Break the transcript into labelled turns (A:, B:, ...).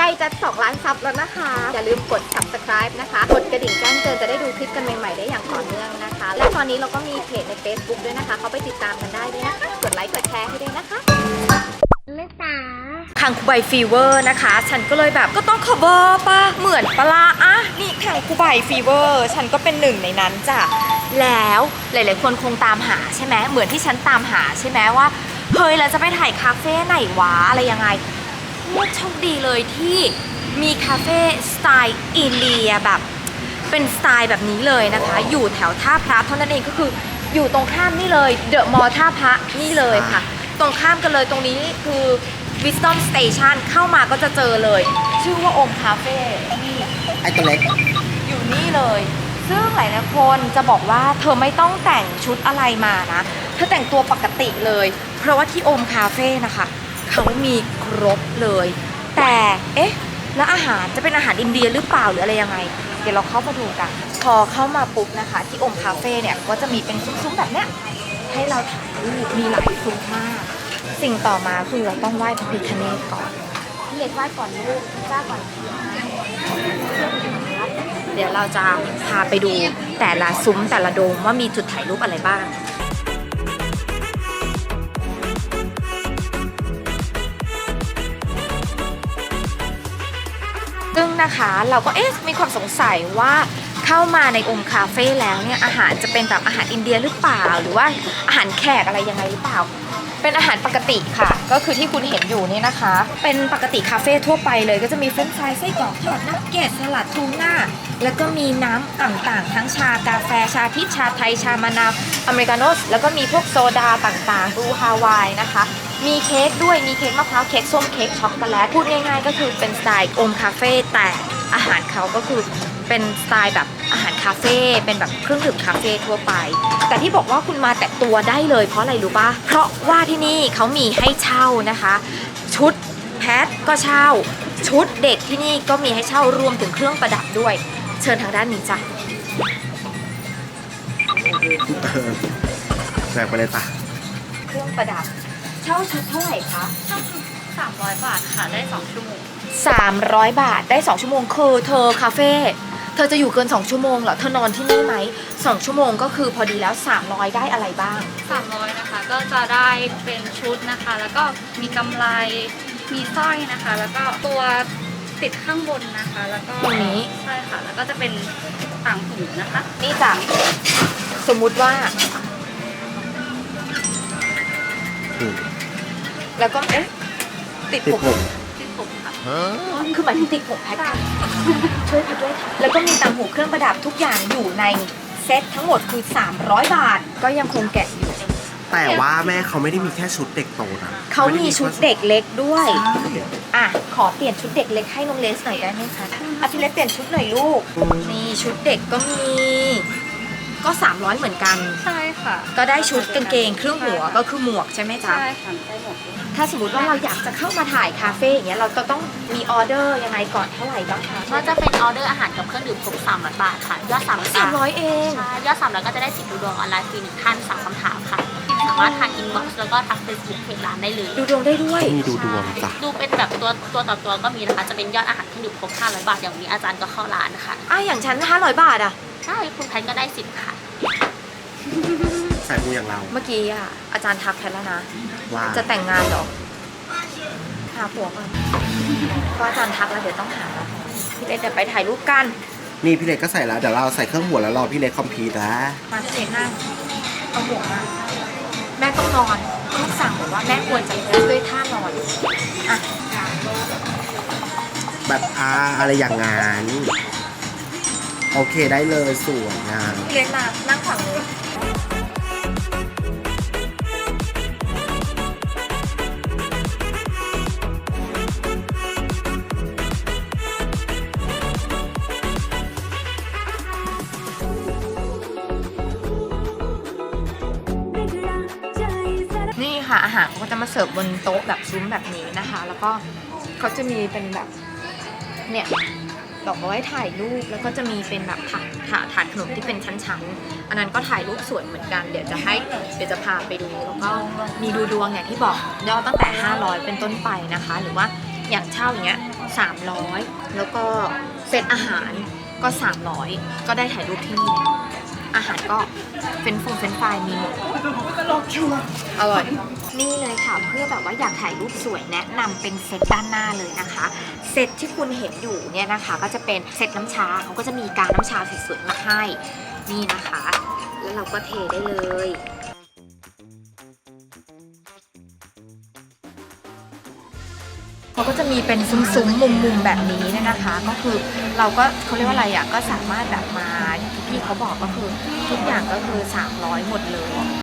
A: ล้จะ2 ล้านซับแล้วนะคะอย่าลืมกด subscribe นะคะกดกระดิ่งแจ้งเตือนจะได้ดูคลิปกันใหม่ๆได้อย่างต่อเนื่องนะคะและตอนนี้เราก็มีเพจใน Facebook ด้วยนะคะเขาไปติดตามกันได้ด้วยนะคะกดไลค์กดแชร์ให้ด้วยนะคะแม่จ๋าคังคูไบฟีเวอร์นะคะฉันก็เลยแบบก็ต้อง cover ป่ะเหมือนปลาอะนี่คังคูไบฟีเวอร์ฉันก็เป็นหนึ่งในนั้นจ้ะแล้วหลายๆคนคงตามหาใช่ไหมเหมือนที่ฉันตามหาใช่ไหมว่าเฮ้ยเราจะไปถ่ายคาเฟ่ไหนวะอะไรยังไงเนี่ยโชคดีเลยที่มีคาเฟ่สไตล์อินเดียแบบเป็นสไตล์แบบนี้เลยนะคะอยู่แถวท่าพระเท่านั้นเองก็คืออยู่ตรงข้ามนี่เลยเดอะมอลล์ท่าพระนี่เลยค่ะตรงข้ามกันเลยตรงนี้คือ Wisdom Station เข้ามาก็จะเจอเลยชื่อว่าโอมคาเฟ่นี่
B: ไอตัวเล็ก
A: อยู่นี่เลยซึ่งหลายๆคนจะบอกว่าเธอไม่ต้องแต่งชุดอะไรมานะเธอแต่งตัวปกติเลยเพราะว่าที่โอมคาเฟ่นะคะเขามีครบเลยแต่เอ๊ะแล้วอาหารจะเป็นอาหารอินเดียหรือเปล่าหรืออะไรยังไงเดี๋ยวเราเข้ามาดูกันพอเข้ามาปุ๊บนะคะที่โอมคาเฟ่เนี่ยก็จะมีเป็นซุ้มๆแบบเนี้ยให้เราถ่ายรูปมีหลายซุ้มมากสิ่งต่อมาคือเราต้องไหว้พระพิฆเนศก่อนพี่เล็กไหว้ก่อนลูกจ้าก่อนเดี๋ยวเราจะพาไปดูแต่ละซุ้มแต่ละโดมว่ามีจุดถ่ายรูปอะไรบ้างซึ่งนะคะเราก็มีความสงสัยว่าเข้ามาในโอมคาเฟ่แล้วเนี่ยอาหารจะเป็นแบบอาหารอินเดียหรือเปล่าหรือว่าอาหารแขกอะไรยังไงหรือเปล่าเป็นอาหารปกติค่ะก็คือที่คุณเห็นอยู่นี่นะคะเป็นปกติคาเฟ่ทั่วไปเลยก็จะมีเฟรนช์ฟรายไส้กรอกทอดนักเก็ตสลัดทูน่าแล้วก็มีน้ำต่างๆทั้งชากาแฟชาพิชชาไทยชามะนาวอเมริกาโน่แล้วก็มีพวกโซดาต่างๆบลูฮาวายนะคะมีเค้กด้วยมีเค้กมะพร้าวเค้กส้มเค้กช็อกโกแลตพูดง่ายๆก็คือเป็นสไตล์โอมคาเฟ่แต่อาหารเขาก็คือเป็นสไตล์แบบอาหารคาเฟ่เป็นแบบเครื่องดื่มคาเฟ่ทั่วไปแต่ที่บอกว่าคุณมาแต่ตัวได้เลยเพราะอะไรรู้ป่ะเพราะว่าที่นี่เขามีให้เช่านะคะชุดแพทก็เช่าชุดเด็กที่นี่ก็มีให้เช่ารวมถึงเครื่องประดับด้วยเชิญทางด้านนี้จ้ะ
B: แบกไปเลยจ้ะ
A: เครื่องประดับเช่าชุดเท่าไหร่คะ
C: 300 บาทค่ะได้2 ชั่วโมง
A: 300 บาทได้2 ชั่วโมงคือเธอคาเฟ่เธอจะอยู่เกิน2 ชั่วโมงเหรอเธอนอนที่นี่ไหม2 ชั่วโมงก็คือพอดีแล้ว300ได้อะไรบ้าง
C: 300นะคะก็จะได้เป็นชุดนะคะแล้วก็มีกำไรมีสร้อยนะคะแล้วก็ตัวติดข้างบนนะคะแล้วก็
A: ตรงนี้
C: ใช่ค่ะแล้วก็จะเป็นต่างหูนะคะ
A: นี่จ้ะสมมุติว่าแล้วก็ติดผม
C: ค่ะ
A: คือหมายถึงติดผมแพ็คช่วยค่ะด้วยค่ะแล้วก็มีต่างหูเครื่องประดับทุกอย่างอยู่ในเซ็ตทั้งหมดคือ300 บาทก็ยังคงแกะอยู่
B: แต่ว่าแม่เขาไม่ได้มีแค่ชุดเด็กโตนะ
A: เขามีชุดเด็กเล็กด้วยอ่ะขอเปลี่ยนชุดเด็กเล็กให้น้องเลสหน่อยได้ไหมคะพี่เล็กเปลี่ยนชุดหน่อยลูกนี่ชุดเด็กก็มีก็300เหมือนกัน
C: ใช่ค่ะ
A: ก็ได้ชุดกางเกงเครื่องหัวก็คือหมวกใช่ไหมจ๊ะ
C: ใช่ค่ะได้หมด
A: ถ้าสมมติว่าเราอยากจะเข้ามาถ่ายคาเฟ่อย่างเงี้ยเราต้องมีออเดอร์ยังไงก่อนเท่าไหร่บ้างคะ
C: ก็จะเป็นออเดอร์อาหารกับเครื่องดื่มครบ300 บาทค่ะยอด
A: 300เอง
C: ใช่ยอด300ก็จะได้10ดูดวงออนไลน์ฟรี1 ท่าน3 คำถามค่ะสามารถทางอินบ็อกซ์แล้วก็ทักเฟซบุ๊กเพจร้านได้เลย
A: ดูดวงได้ด้วย
B: มีดูดวงจ้ะ
C: ดูเป็นแบบตัวต่อตัวก็มีนะคะจะเป็นยอดอาหารเครื่องดื่มครบ500 บาทอย่างนี้อาจารย์ก็เข้าร้านค่ะ
A: อย่างฉัน500 บาท
C: ใช่คุณแพนก็ได้10ค่ะ
B: ใส่มูอย่างเรา
A: เมื่อกี้อาจารย์ทักแพทแล้วนะ
B: ว่า
A: จะแต่งงานเหรอหาผัวก่อนเพราะอาจารย์ทักแล้วเดี๋ยวต้องหาพี่เล็กเดี๋ยวไปถ่ายรูปกัน
B: นี่พี่เล็กก็ใส่แล้วเดี๋ยวเราใส่เครื่องหัวแล้วรอพี่เล็กคอมพิวนะ
A: มาพี่เล็กนั่งเอาหัวมาแม่ต้องนอนลูกสั่งบอกว่าแม่ควรจะด้วยท่านอน
B: แบบอะไรอย่างงั้นโอเคได้เลยสวยงาม
A: พี่เล็กมานั่งฝั่งนู้นนี่ค่ะอาหารเขาก็จะมาเสิร์ฟบนโต๊ะแบบซุ้มแบบนี้นะคะแล้วก็เขาจะมีเป็นแบบเนี่ยดอกเอาไว้ถ่ายรูปแล้วก็จะมีเป็นแบบถาดขนมที่เป็นชั้นๆอันนั้นก็ถ่ายรูปสวยเหมือนกันเดี๋ยวจะพาไปดูแล้วก็มีดูดวงอย่างที่บอกยอดตั้งแต่500เป็นต้นไปนะคะหรือว่าอย่างเช่าอย่างเงี้ย 300แล้วก็เซตอาหารก็300ก็ได้ถ่ายรูปที่นี่แล้วอาหารก็เฟรนช์ฟรายมีหมดอร่อยนี่เลยค่ะเพื่อแบบว่าอยากถ่ายรูปสวยแนะนำเป็นเซตด้านหน้าเลยนะคะเซตที่คุณเห็นอยู่เนี่ยนะคะก็จะเป็นเซตน้ำชาเขาก็จะมีการน้ำชาสวยๆมาให้นี่นะคะแล้วเราก็เทได้เลยเขาก็จะมีเป็นซุ้มๆมุมๆแบบนี้เนี่ยนะคะก็คือเราก็เขาเรียกว่าอะไรอ่ะก็สามารถแบบมาที่พี่เขาบอกก็คือทุกอย่างก็คือ300หมดเลย